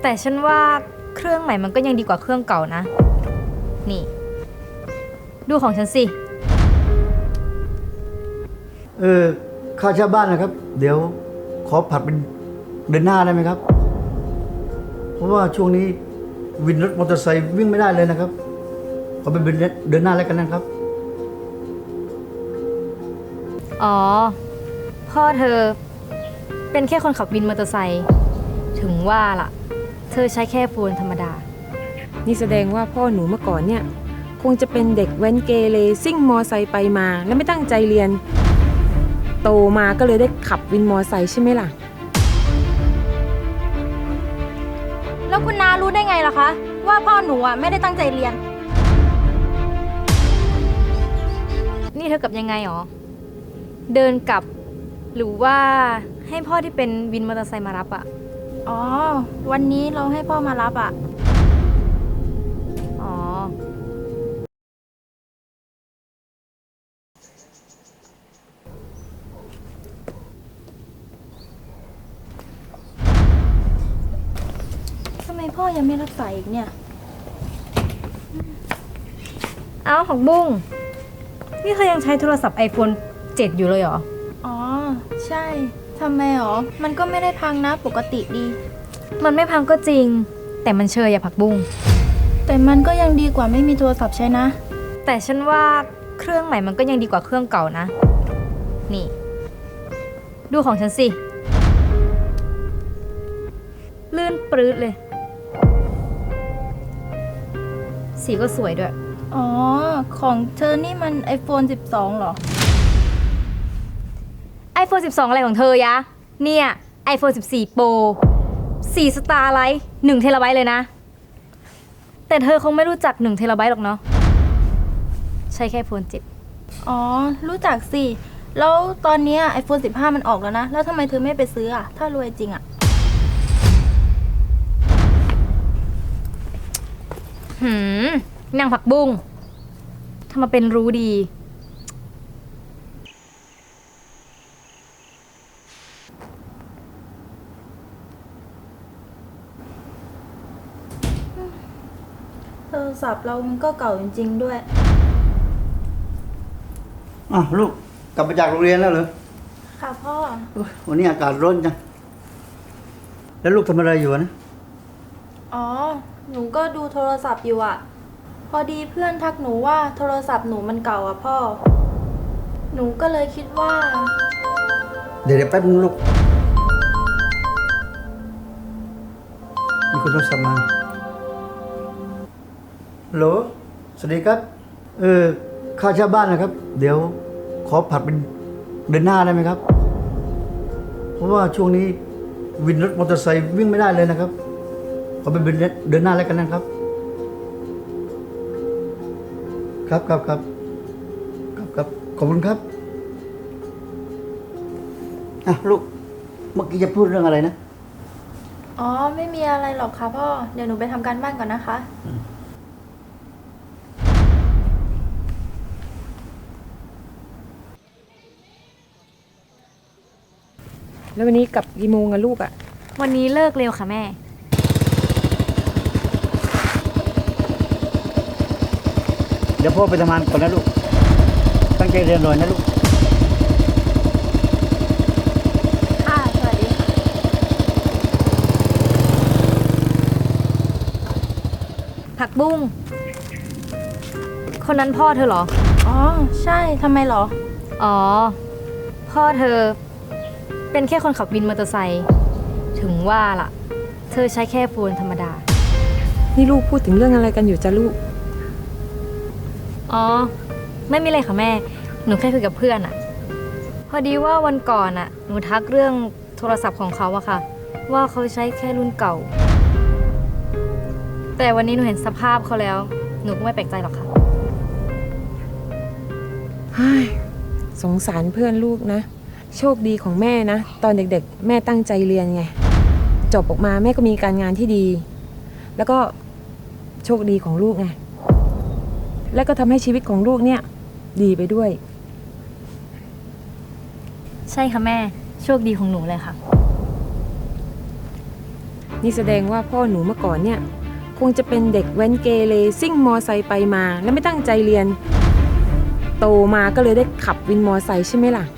แต่ฉันว่าเครื่องใหม่มันก็ยังดีกว่าเครื่องเก่านะนี่ดูของฉันสิค่าเช่าบ้านนะครับ เดี๋ยวขอผัดเป็นเดือนหน้าได้ไหมครับ เพราะว่าช่วงนี้วินรถมอเตอร์ไซค์วิ่งไม่ได้เลยนะครับขอเป็นเดือนหน้าแล้วกันนะครับอ๋อพ่อเธอเป็นแค่คนขับวินมอเตอร์ไซค์ถึงว่าล่ะเธอใช้แค่โฟนธรรมดานี่แสดงว่าพ่อหนูเมื่อก่อนเนี่ยคงจะเป็นเด็กแว้นเกเรซิ่งมอไซค์ไปมาแล้วไม่ตั้งใจเรียนโตมาก็เลยได้ขับวินมอไซค์ใช่ไหมล่ะแล้วคุณน้ารู้ได้ไงล่ะคะว่าพ่อหนูอ่ะไม่ได้ตั้งใจเรียนนี่เธอกลับยังไงหรอเดินกลับหรือว่าให้พ่อที่เป็นวินมอเตอร์ไซค์มารับอะอ๋อวันนี้เราให้พ่อมารับอ่ะอ๋อทำไมพ่อยังไม่รับสายอีกเนี่ยเอาของบุ้งนี่เธอยังใช้โทรศัพท์ iPhone 7 อยู่เลยเหรออ๋อใช่ทำไมหรอมันก็ไม่ได้พังนะปกติดีมันไม่พังก็จริงแต่มันเชยอย่าผักบุ้งแต่มันก็ยังดีกว่าไม่มีโทรศัพท์ใช้นะแต่ฉันว่าเครื่องใหม่มันก็ยังดีกว่าเครื่องเก่านะนี่ดูของฉันสิลื่นปรื๊ดเลยสีก็สวยด้วยอ๋อของเธอนี่มัน iPhone 12เหรอ iPhone 12 อะไรของเธอยะเนี่ย iPhone 14 Pro 4 Starlight 1 เทราไบต์เลยนะแต่เธอคงไม่รู้จัก1 เทราไบต์หรอกเนาะใช้แค่ iPhone 7 อ๋อรู้จักสิแล้วตอนนี้ iPhone 15 มันออกแล้วนะแล้วทำไมเธอไม่ไปซื้ออ่ะถ้ารวยจริงอ่ะนางผักบุ้งทำมาเป็นรู้ดีโทรศัพท์เรามันก็เก่าจริงๆด้วยลูกกลับมาจากโรงเรียนแล้วเหรอค่ะพ่อวันนี้อากาศร้อนจังแล้วลูกทำอะไรอยู่นะอ๋อหนูก็ดูโทรศัพท์อยู่อ่ะพอดีเพื่อนทักหนูว่าโทรศัพท์หนูมันเก่าอ่ะพ่อหนูก็เลยคิดว่าเดี๋ยวแป๊บนึงลูกมีคนโทรศัพท์มาฮัลโหลสวัสดีครับค่าเช่าบ้านนะครับ เดี๋ยวขอผัดเป็นเดือนหน้าได้ไหมครับ เพราะว่าช่วงนี้วินรถมอเตอร์ไซค์วิ่งไม่ได้เลยนะครับขอเป็นเดือนหน้าแล้วกันนะครับครับขอบคุณครับลูกเมื่อกี้จะพูดเรื่องอะไรนะอ๋อไม่มีอะไรหรอกค่ะพ่อเดี๋ยวหนูไปทำการบ้านก่อนนะคะแล้ววันนี้กลับกี่โมงอะลูกอะวันนี้เลิกเร็วค่ะแม่เดี๋ยวพ่อไปทำงานก่อนนะลูกตั้งใจเรียนหน่อยนะลูกค่ะสวัสดีค่ะผักบุ้งคนนั้นพ่อเธอเหรออ๋อใช่ทำไมเหรออ๋อพ่อเธอเป็นแค่คนขับวินมอเตอร์ไซค์ถึงว่าล่ะเธอใช้แค่โฟนธรรมดานี่ลูกพูดถึงเรื่องอะไรกันอยู่จ้ะลูกอ๋อไม่มีอะไรค่ะแม่หนูแค่คุยกับเพื่อนอะพอดีว่าวันก่อนอะหนูทักเรื่องโทรศัพท์ของเขาอะค่ะว่าเขาใช้แค่รุ่นเก่าแต่วันนี้หนูเห็นสภาพเขาแล้วหนูก็ไม่แปลกใจหรอกค่ะสงสารเพื่อนลูกนะโชคดีของแม่นะตอนเด็กๆแม่ตั้งใจเรียนไงจบออกมาแม่ก็มีการงานที่ดีแล้วก็โชคดีของลูกไงและก็ทำให้ชีวิตของลูกเนี่ยดีไปด้วยใช่ค่ะแม่โชคดีของหนูเลยค่ะนี่แสดงว่าพ่อหนูเมื่อก่อนเนี่ย คงจะเป็นเด็กแว้นเกเรซิ่งมอไซค์ไปมา แล้วไม่ตั้งใจเรียน โตมาก็เลยได้ขับวินมอไซค์ใช่ไหมล่ะ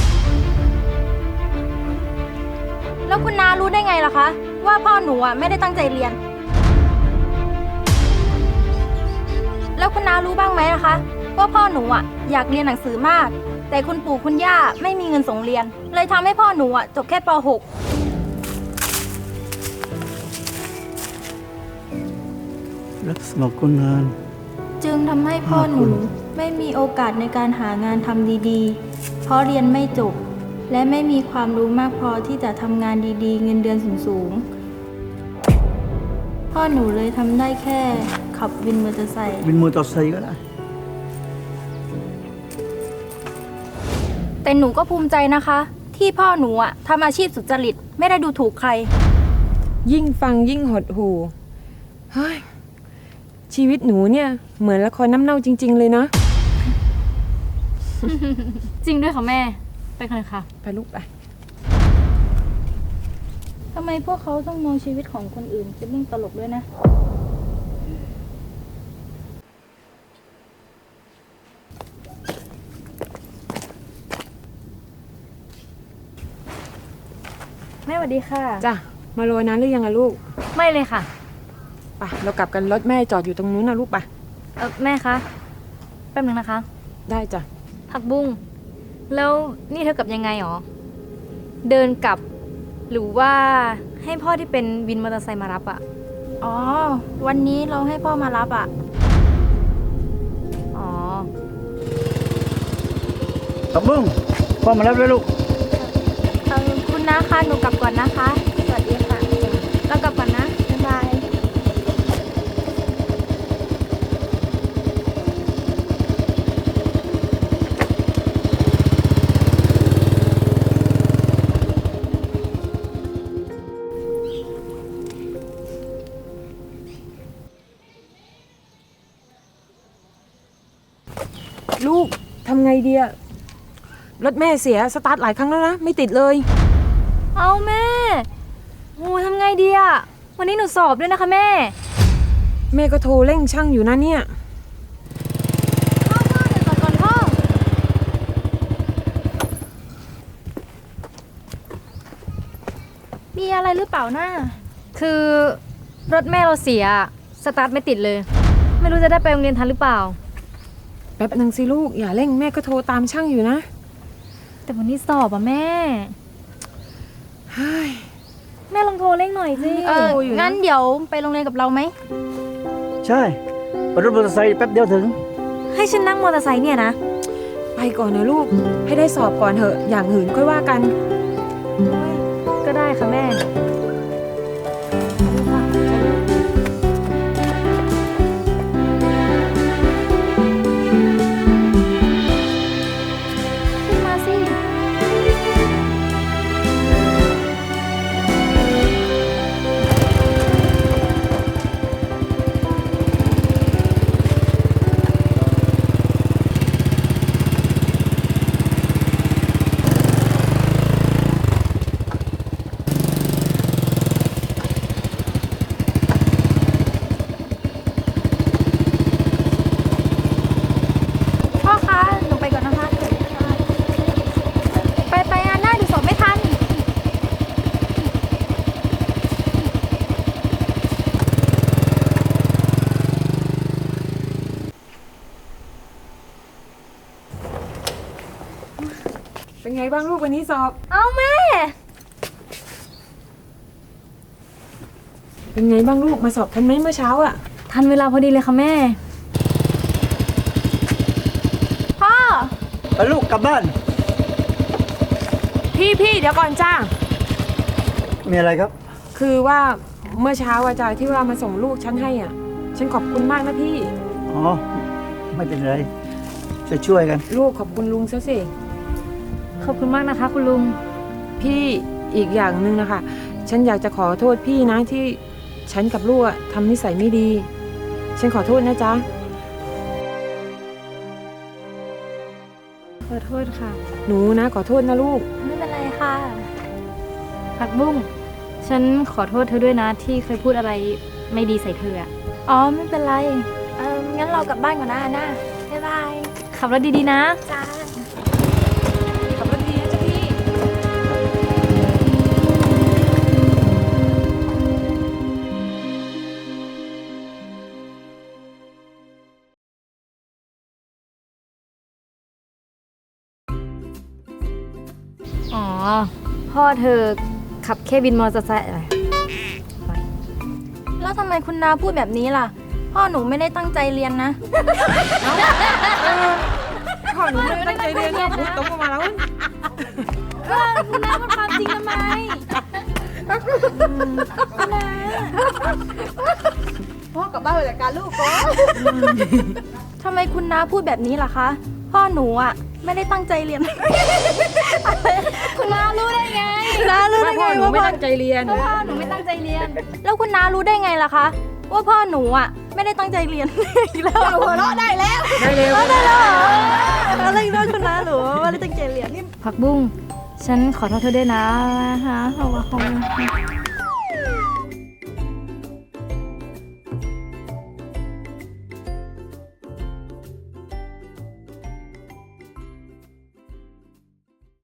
แล้วคุณน้ารู้ได้ไงล่ะคะ ว่าพ่อหนูอ่ะไม่ได้ตั้งใจเรียน แล้วคุณน้ารู้บ้างไหมนะคะ ว่าพ่อหนูอ่ะอยากเรียนหนังสือมาก แต่คุณปู่คุณย่าไม่มีเงินส่งเรียน เลยทำให้พ่อหนูอ่ะจบแค่ป .6 รับสมัครคนงานจึงทำให้พ่อหนูไม่มีโอกาสในการหางานทำดีๆ เพราะเรียนไม่จบ และไม่มีความรู้มากพอที่จะทำงานดีๆ เงินเดือนสูงๆ พ่อหนูเลยทำได้แค่ขับวินมอเตอร์ไซค์วินมอเตอร์ไซค์ก็ได้แต่หนูก็ภูมิใจนะคะ ที่พ่อหนูอ่ะทำอาชีพสุจริตไม่ได้ดูถูกใครยิ่งฟังยิ่งหดหู่เฮ้ยชีวิตหนูเนี่ยเหมือนละครน้ำเน่าจริง ๆ เลยนะจริงด้วยค่ะแม่ ไปกันเลยค่ะไปลูกไปทำไมพวกเขาต้องมองชีวิตของคนอื่นเป็นเรื่องตลกด้วยนะแม่สวัสดีค่ะจ้ะ มาโรยนั้นหรือยังอะลูกไม่เลยค่ะไปเรากลับกันรถแม่จอดอยู่ตรงนู้นนะลูกไปแม่คะ แป๊บนึงนะคะได้จ้ะผักบุ้ง แล้วนี่เธอกลับยังไงหรอ เดินกลับ หรือว่าให้พ่อที่เป็นวินมอเตอร์ไซค์มารับอะอ๋อ วันนี้เราให้พ่อมารับอ่ะอ๋อตับบุ้งพ่อมารับแล้วลูกคุณน้าคะหนูกลับก่อนนะคะ สวัสดีค่ะ เรากลับก่อนนะ บ๊ายบายลูกทำไงดีอะรถแม่เสียสตาร์ทหลายครั้งแล้วนะ ไม่ติดเลยเอาแม่โอ้ทำไงดีอะวันนี้หนูสอบด้วยนะคะแม่แม่ก็โทรเร่งช่างอยู่นะเนี่ยพ่อเดี๋ยวก่อนพ่อ มีอะไรหรือเปล่าน้าคือรถแม่เราเสีย สตาร์ทไม่ติดเลย ไม่รู้จะได้ไปโรงเรียนทันหรือเปล่าแป๊บหนึ่งสิลูก อย่าเร่งแม่ก็โทรตามช่างอยู่นะแต่วันนี้สอบอะแม่เฮ้ยแม่ลองโทรเร่งหน่อยสิอยู่นะงั้นเดี๋ยวไปโรงเรียนกับเราไหมใช่ไปรถมอเตอร์ไซค์แป๊บเดียวถึงให้ฉันนั่งมอเตอร์ไซค์เนี่ยนะไปก่อนนะลูก ให้ได้สอบก่อนเถอะ อย่างอื่นค่อยว่ากันก็ได้ค่ะแม่ขึ้นมาสิ พ่อคะ หนูไปก่อนนะคะ ไปงานหน้าดูสอบไม่ทันเป็นไงบ้างลูกวันนี้สอบเอาแม่เป็นไงบ้างลูกมาสอบทันไหมเมื่อเช้าอะทันเวลาพอดีเลยค่ะแม่พ่อไปลูกกลับบ้านพี่เดี๋ยวก่อนจ้ามีอะไรครับคือว่าเมื่อเช้าอาจารย์ที่ว่ามาส่งลูกฉันให้อ่ะ ฉันขอบคุณมากนะพี่อ๋อ ไม่เป็นไรจะช่วยกันลูกขอบคุณลุงซะสิขอบคุณมากนะคะ คุณลุงพี่อีกอย่างหนึ่งนะคะ ฉันอยากจะขอโทษพี่นะที่ฉันกับลูกอะทำนิสัยไม่ดี ฉันขอโทษนะจ๊ะขอโทษค่ะหนูนะขอโทษนะลูกไม่เป็นไรค่ะผักบุ้งฉันขอโทษเธอด้วยนะที่เคยพูดอะไรไม่ดีใส่เธออะอ๋อไม่เป็นไรงั้นเรากลับบ้านก่อนนะอาน่าบ๊ายบายขับรถดีๆนะจ้าขับรถดีนะเจ้าพี่อ๋อ พ่อเธอขับแค่บินมอเตอร์ไซค์อะไรแล้วทำไมคุณนาพูดแบบนี้ล่ะ พ่อหนูไม่ได้ตั้งใจเรียนนะพ่อหนูไม่ได้ตั้งใจเรียนนะพูดตรงออกมาแล้วคุณนาพูดความจริงทำไมคุณนาพ่อกลับบ้านไปจัดการลูกก่อนทำไมคุณนาพูดแบบนี้ล่ะคะ พ่อหนูอ่ะไม่ได้ตั้งใจเรียน คุณนารู้ได้ไงคุณนารู้ได้พ่ไงอหนูว่าไม่พ่อตั้งใจเรียนพ่อหนูไม่ตั้งใจเรียนแล้วคุณนารู้ได้ไงล่ะคะ ว่าพ่อหนูอ่ะไม่ได้ตั้งใจเรียน อีกแล้วหัวเราะได้แล้วได้เร็วได้แล้วเหรออะไรอีกแล้วคุณนาหนูว่าไม่ได้ตั้งใจเรียนนี่ผักบุ้ง ฉันขอโทษเธอด้วยนะฮะเอาวะ